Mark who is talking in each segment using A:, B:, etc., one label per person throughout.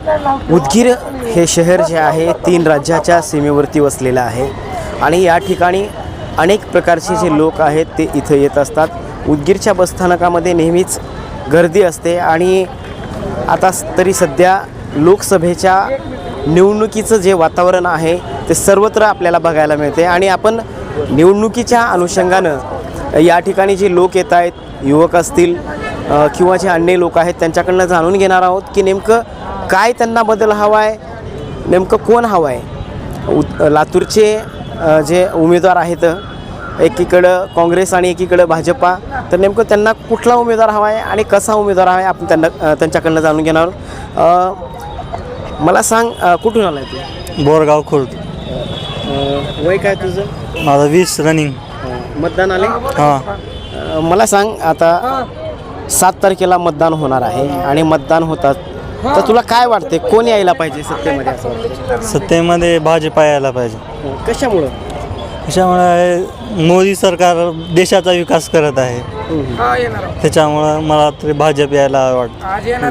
A: उदगीर हे शहर जे आहे 3 राज्याच्या सीमेवरती वसलेलं आहे आणि या ठिकाणी अनेक प्रकारचे जे लोक आहेत ते इथं येत असतात. उदगीरच्या बसस्थानकामध्ये नेहमीच गर्दी असते आणि आता तरी सध्या लोकसभेच्या निवडणुकीचं जे वातावरण आहे ते सर्वत्र आपल्याला बघायला मिळते आणि आपण निवडणुकीच्या अनुषंगानं या ठिकाणी जे लोक येत आहेत, युवक असतील किंवा जे अन्य लोक आहेत त्यांच्याकडनं जाणून घेणार आहोत की नेमकं काय त्यांना बदल हवा आहे, नेमकं कोण हवं आहे. लातूरचे जे उमेदवार आहेत एकीकडं काँग्रेस आणि एकीकडं भाजपा, तर नेमकं त्यांना कुठला उमेदवार हवा आहे आणि कसा उमेदवार हवा आहे आपण त्यांच्याकडनं जाणून घेणार आहोत. मला सांग कुठून आला आहे तू?
B: बोरगाव खुर्द.
A: वय काय तुझं?
B: माझं 20 रनिंग.
A: मतदान आले?
B: हां.
A: मला सांग आता 7 तारखेला मतदान होणार आहे आणि मतदान होतात तर तुला काय वाटते कोण यायला पाहिजे सत्तेमध्ये असं वाटतं?
B: सत्तेमध्ये भाजपा यायला पाहिजे.
A: कशामुळं?
B: त्याच्यामुळे मोदी सरकार देशाचा विकास करत आहे, त्याच्यामुळं मला तरी भाजप यायला वाटतं.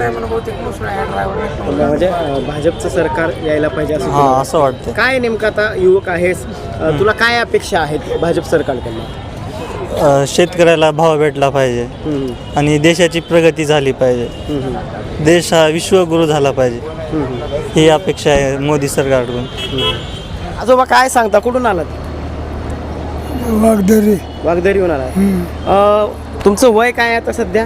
A: म्हणजे भाजपचं सरकार यायला पाहिजे असं
B: हां,
A: तुला
B: असं वाटतं.
A: काय नेमकं आता युवक आहेस तुला काय अपेक्षा आहेत भाजप सरकारकडनं?
B: शेतकऱ्याला भाव भेटला पाहिजे आणि देशाची प्रगती झाली पाहिजे, देश हा विश्वगुरु झाला पाहिजे, ही अपेक्षा आहे मोदी सरकारकडून.
A: आजोबा काय सांगता, कुठून आलात? वागदरीहून आलात. तुमचं वय काय आहे आता सध्या?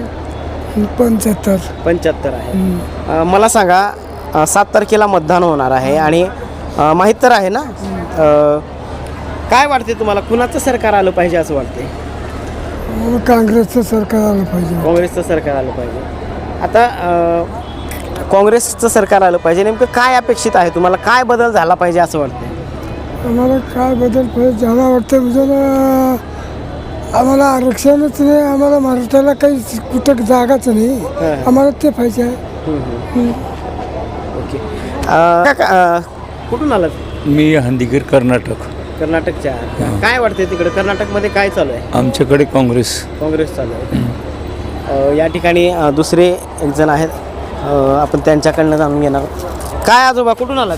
A: 75 आहे. मला सांगा 7 तारखेला मतदान होणार आहे आणि माहीत तर आहे ना, काय वाटते तुम्हाला कुणाचं सरकार आलं पाहिजे असं वाटते?
C: काँग्रेसचं सरकार आलं पाहिजे.
A: काँग्रेसचं सरकार आलं पाहिजे. आता काँग्रेसचं सरकार आलं पाहिजे, नेमकं काय अपेक्षित आहे तुम्हाला, काय बदल झाला पाहिजे असं वाटतं?
C: आम्हाला काय बदल पाहिजे झाला वाटतं म्हणजे आम्हाला आरक्षणच नाही, आम्हाला महाराष्ट्राला काही कुठं जागाच नाही, आम्हाला ते पाहिजे आहे.
A: ओके. कुठून आलात?
D: मी हंदीगीर कर्नाटक.
A: कर्नाटकच्या. काय वाटते तिकडे कर्नाटकमध्ये काय चालू आहे?
D: आमच्याकडे काँग्रेस
A: चालू आहे. या ठिकाणी दुसरे एक जण आहेत, आपण त्यांच्याकडनं जाणून घेणार. काय आजोबा कुठून आलात?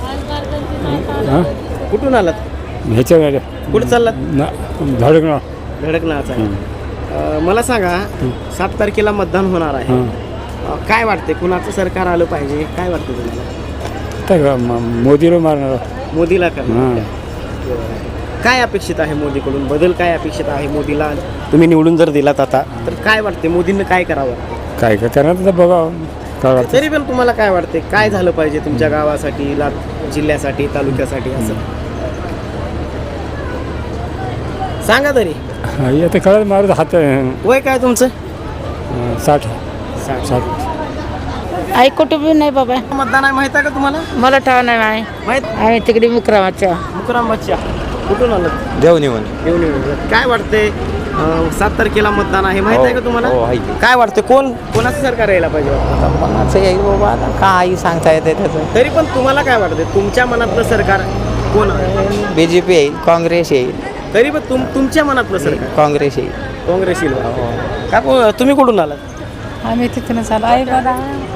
A: कुठून आलात?
D: ह्याच्या
A: कुठं चाललात?
D: धडकणं.
A: धडकनाच आहे. मला सांगा 7 तारखेला मतदान होणार आहे, काय वाटते कुणाचं सरकार आलं पाहिजे, काय वाटतं तुम्हाला?
D: मोदीला मारणार.
A: मोदीला करणार. काय अपेक्षित आहे मोदीकडून, बदल काय अपेक्षित आहे? मोदीला तुम्ही निवडून जर दिलात आता तर काय वाटते मोदींनी काय करावं?
D: काय करणार तर बघा.
A: तरी पण तुम्हाला काय वाटते काय झालं पाहिजे तुमच्या गावासाठी, जिल्ह्यासाठी, तालुक्यासाठी असं सांगा तरी.
D: आता कळत मारत हात.
A: वय काय तुमचं?
D: 60.
E: आई कुठं बी नाही बाबा.
A: मतदान आहे माहित आहे का तुम्हाला?
E: मला ठाव नाही माही.
A: माहित?
E: आम्ही तिकडे मुकरामाच्या.
A: मुकरामबादच्या. कुठून आलं?
B: देवनिवन.
A: काय वाटते 7 तारखेला मतदान आहे माहित आहे का तुम्हाला? काय वाटते कोणाचं सरकार यायला पाहिजे?
F: कोणाचं येईल बाबा, आता काही सांगता येते त्याचं.
A: तरी पण तुम्हाला काय वाटते तुमच्या मनातलं सरकार कोण?
F: BJP येईल, काँग्रेस येईल.
A: तरी पण तुमच्या मनातलं सरकार?
F: काँग्रेस येईल.
A: काँग्रेस येईल. का तुम्ही कुठून आलात?
E: आम्ही तिथूनच आलो. आई बाबा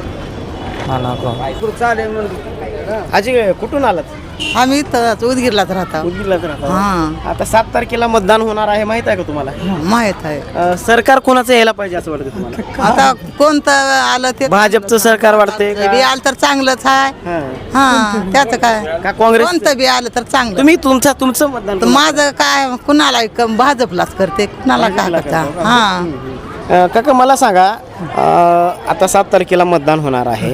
A: आजी कुठून आलात?
G: आम्ही इथं उदगीरलाच राहतो.
A: उदगीरलाच राहता.
G: हां,
A: आता 7 तारखेला मतदान होणार आहे माहित आहे का तुम्हाला?
G: माहीत आहे.
A: सरकार कोणाचं यायला पाहिजे असं वाटतं तुम्हाला?
G: आता कोणतं आलं ते
A: भाजपचं सरकार वाटतंय
G: बी
A: का?
G: आलं तर चांगलंच आहे. हां, त्याचं काय,
A: का काँग्रेस?
G: कोणतं बी आलं तर चांगलं.
A: तुम्ही तुमचं मतदान
G: तर माझं काय कुणाला भाजपलाच करते, कुणाला काय करता. हां,
A: काका मला सांगा आता 7 तारखेला मतदान होणार आहे,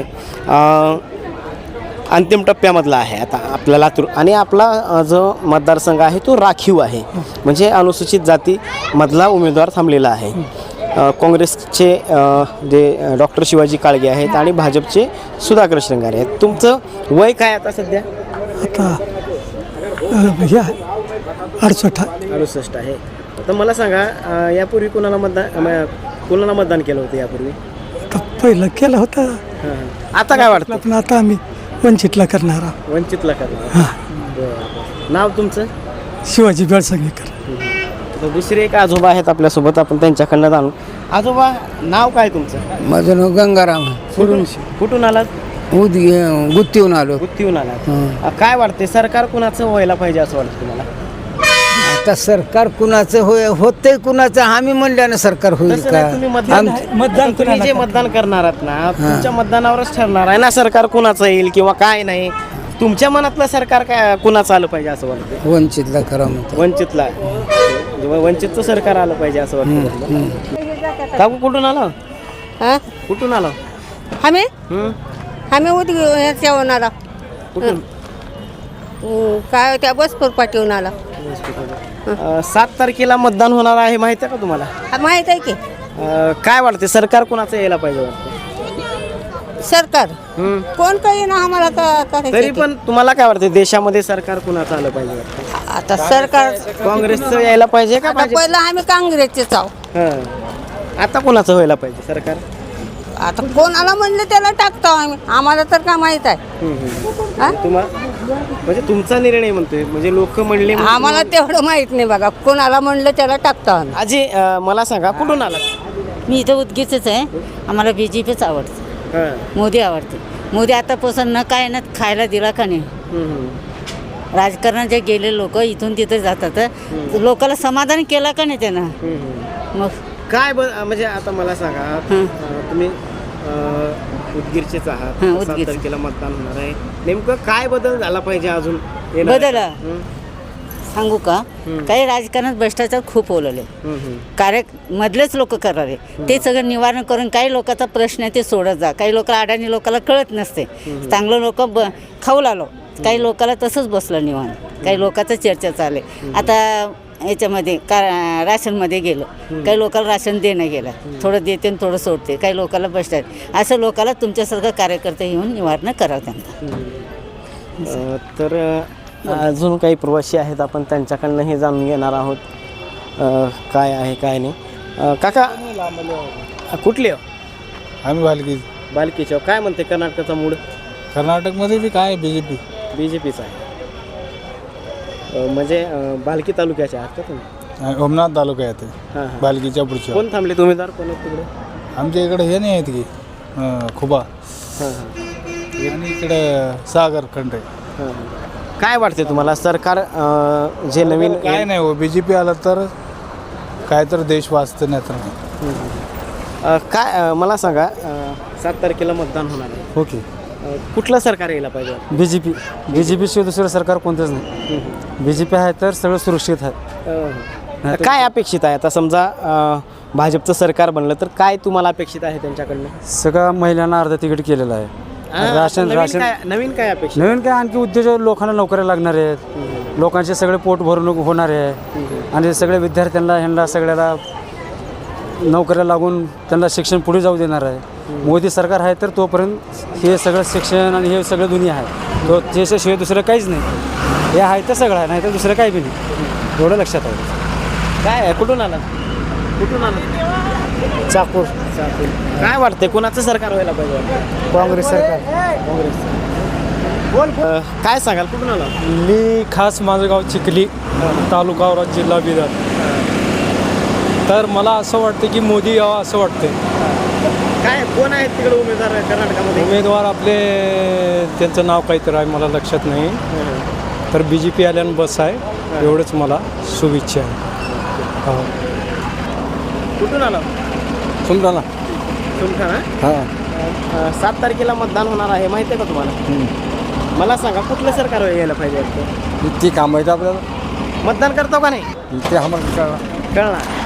A: अंतिम टप्प्यामधला आहे आता आपला लातूर आणि आपला जो मतदारसंघ आहे तो राखीव आहे, म्हणजे अनुसूचित जातीमधला उमेदवार थांबलेला आहे. काँग्रेसचे जे डॉक्टर शिवाजी काळगे आहेत आणि भाजपचे सुधाकर श्रृंगारे आहेत. तुमचं वय काय आता सध्या?
C: आता 68
A: आहे. तर मला सांगा यापूर्वी कोणाला मतदान केलं होतं यापूर्वी?
C: आता पहिलं केलं होतं,
A: आता काय वाटतं?
C: पण आता आम्ही वंचितला करणार आहोत.
A: वंचितला करणार. नाव तुमचं?
C: शिवाजी बेळसंगीकर.
A: तर दुसरे एक आजोबा आहेत आपल्यासोबत, आपण त्यांच्याकडनं जाणू. आजोबा नाव काय तुमचं?
H: माझं नाव गंगाराम.
A: कुठून आलात?
C: गुत्तीहून आलो
A: गुत्तीहून आला काय वाटते सरकार कुणाचं व्हायला पाहिजे असं वाटतं तुम्हाला?
C: आता सरकार कुणाचं होतंय कुणाचं आम्ही म्हणल्यानं सरकार होईल
A: तसं
C: का
A: नाही, तुम्ही मतदान तुम्ही जे मतदान करणार आहात ना तुमच्या मतदानावरच ठरणार आहे ना सरकार कुणाचं येईल किंवा काय नाही. तुमच्या मनातलं सरकार काय कुणाचं आलं पाहिजे असं वाटतं?
C: वंचितला करा म्हणतो
A: वंचितला वंचितचं सरकार आलं पाहिजे असं वाटतं. काकू कुठून आलो? कुठून आलो?
H: आम्ही
A: हं?
H: ह्याच्यावरून आला
A: कुठून?
H: काय त्या बसपूर पाठवून आला
A: 7 तारखेला मतदान होणार आहे माहिती आहे का तुम्हाला?
H: माहित आहे की
A: काय वाटते सरकार कुणाचं यायला पाहिजे वाटतं?
H: सरकार
A: हं?
H: कोण काही ना आम्हाला
A: तरी
H: करायचं
A: पण तुम्हाला काय वाटतं देशामध्ये सरकार कुणाचं आलं पाहिजे वाटतं?
H: आता सरकार
A: काँग्रेसचं यायला पाहिजे का
H: आता
A: भाजप?
H: पहिलं आम्ही काँग्रेसचेच आहो.
A: हं. आता कुणाचं व्हायला पाहिजे सरकार?
H: आता कोणाला म्हणलं त्याला टाकतो आम्ही आम्हाला तर काय माहित आहे हा?
A: म्हणजे तुमचा निर्णय म्हणतोय म्हणजे लोक म्हणले
H: आम्हाला तेवढं माहित नाही बघा कोणाला म्हणलं त्याला टाकतो आम्ही.
A: आजी मला सांगा कुठून आला?
E: मी इथं उदगीरच आहे. आम्हाला BJPच आवडतं. मोदी आवडते. मोदी आतापासून न काय ना खायला दिला का नाही. राजकारणात जे गेले लोक इथून तिथे जातात लोकांना समाधान केलं का नाही त्यानं. मग
A: काय म्हणजे आता मला सांगा तुम्ही उदगीरचेच आहात. 7 तारखेला मतदान होणार आहे नेमकं काय बदल झाला पाहिजे अजून
E: बदल सांगू का काही राजकारणात भ्रष्टाचार खूप ओलवले कार्य मधलेच लोक करावे ते सगळं निवारण करून काही लोकांचा प्रश्न आहे ते सोडत जा. काही लोक अडाणी लोकांना कळत नसते चांगलं लोक खाऊ लागलो काही लोकांना तसंच बसलं निवारण. काही लोकांचं चर्चा चालले आता याच्यामध्ये राशनमध्ये गेलं काही लोकांना राशन देणं गेलं थोडं देते आणि थोडं सोडते काही लोकांना भ्रष्टाचार असं लोकांना तुमच्यासारखं कार्यकर्ते येऊन निवारण करावं त्यांना.
A: तर अजून काही प्रवासी आहेत आपण त्यांच्याकडनंही जाणून घेणार आहोत काय आहे काय नाही. काका कुठले हो?
I: आम्ही बालकी
A: बालकीच्या काय म्हणते कर्नाटकाचा मूड?
I: कर्नाटकमध्ये बी काय
A: BJPचा आहे म्हणजे बालकी तालुक्याच्या आहात का तुम्ही?
I: ओमनाथ तालुका येते
A: हां
I: बालकीच्या पुढच्या.
A: कोण थांबले उमेदवार कोण आहेत तिकडे?
I: आमच्या इकडे हे नाही आहेत की खुबा
A: हां
I: आणि इकडे सागर खंडे.
A: हां काय वाटते तुम्हाला सरकार जे नवीन
I: काय नाही हो BJP आलं तर काय तर देश वाचतं नाही तर नाही.
A: काय मला सांगा 7 तारखेला मतदान होणार आहे
D: ओके
A: कुठलं सरकार यायला पाहिजे?
D: BJP शिवाय दुसरं सरकार कोणतंच नाही. BJP आहे तर सगळं सुरक्षित आहे.
A: काय अपेक्षित आहे आता समजा भाजपचं सरकार बनलं तर काय तुम्हाला अपेक्षित आहे त्यांच्याकडनं?
D: सगळं महिलांना अर्ध तिकीट केलेलं आहे.
A: नवीन काय अपेक्षित?
D: नवीन काय आणखी उद्योजक लोकांना नोकऱ्या लागणार आहेत लोकांचे सगळे पोट भरून होणार आहे आणि सगळ्या विद्यार्थ्यांना ह्यांना सगळ्याला नोकऱ्या लागून त्यांना शिक्षण पुढे जाऊ देणार आहे. मोदी सरकार आहे तर तोपर्यंत हे सगळं शिक्षण आणि हे सगळं दुनिया आहे तो त्याच्याशिवाय दुसरं काहीच नाही. हे आहे तर सगळं आहे नाही तर दुसरं काही बी नाही एवढं लक्षात आहे.
A: काय आहे कुठून आला? कुठून आला?
C: चाकूर
A: काय वाटतंय कुणाचं सरकार व्हायला पाहिजे?
C: काँग्रेस सरकार.
A: कोण काय सांगाल कुठून आला?
J: मी खास माझं गाव चिखली तालुका औराद जिल्हा बिदर. तर मला असं वाटतं की मोदी यावं असं वाटतं.
A: काय कोण आहेत तिकडे उमेदवार कर्नाटकामध्ये?
J: उमेदवार आपले त्यांचं नाव काहीतरी आहे मला लक्षात नाही तर BJP आल्यानं बस आहे एवढंच मला शुभेच्छा आहे.
A: कुठून आला?
D: सुमराला
A: सुमठाणा.
D: हां
A: 7 तारखेला मतदान होणार आहे माहिती आहे का तुम्हाला? मला सांगा कुठलं सरकार यायला पाहिजे?
D: ती काम माहिती आपल्याला
A: मतदान करतो का नाही
D: ते आम्हाला
A: कळणार